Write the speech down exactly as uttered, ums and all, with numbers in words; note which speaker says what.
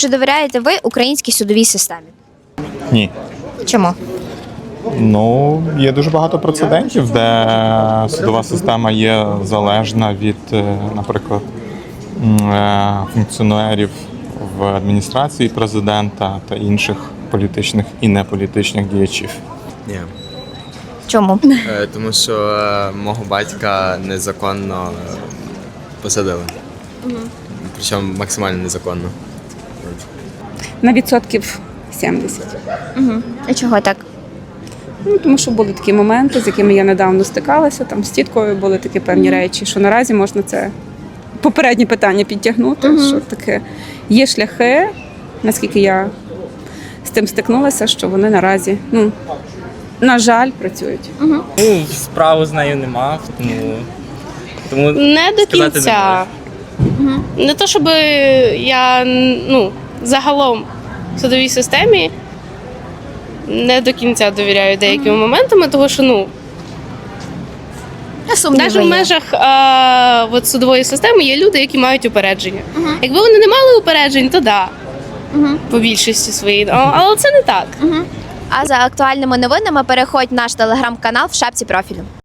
Speaker 1: Чи довіряєте ви українській судовій системі?
Speaker 2: Ні.
Speaker 1: Чому?
Speaker 2: Ну, є дуже багато прецедентів, де судова система є залежна від, е, наприклад, м, е, функціонерів в адміністрації президента та інших політичних і неполітичних діячів.
Speaker 3: Ні.
Speaker 1: Чому?
Speaker 3: Е, Тому що е, мого батька незаконно е, посадили. Причому максимально незаконно.
Speaker 4: На відсотків сімдесят.
Speaker 1: А чого так?
Speaker 4: Ну, тому що були такі моменти, з якими я недавно стикалася. Там з тіткою були такі певні речі, що наразі можна це попереднє питання підтягнути. Що таке є шляхи, наскільки я з тим стикнулася, що вони наразі, ну, на жаль, працюють.
Speaker 5: Ну, справу з нею не мав, тому, тому
Speaker 6: Не до
Speaker 5: сказати не
Speaker 6: кінця. Не то, щоб я ну, загалом в судовій системі не до кінця довіряю деякими моментами, тому що ну, навіть в межах а, от, судової системи є люди, які мають упередження. Якби вони не мали упереджень, то да. По більшості своїй. А- Але це не так.
Speaker 1: А за актуальними новинами переходь в наш телеграм-канал в шапці профілю.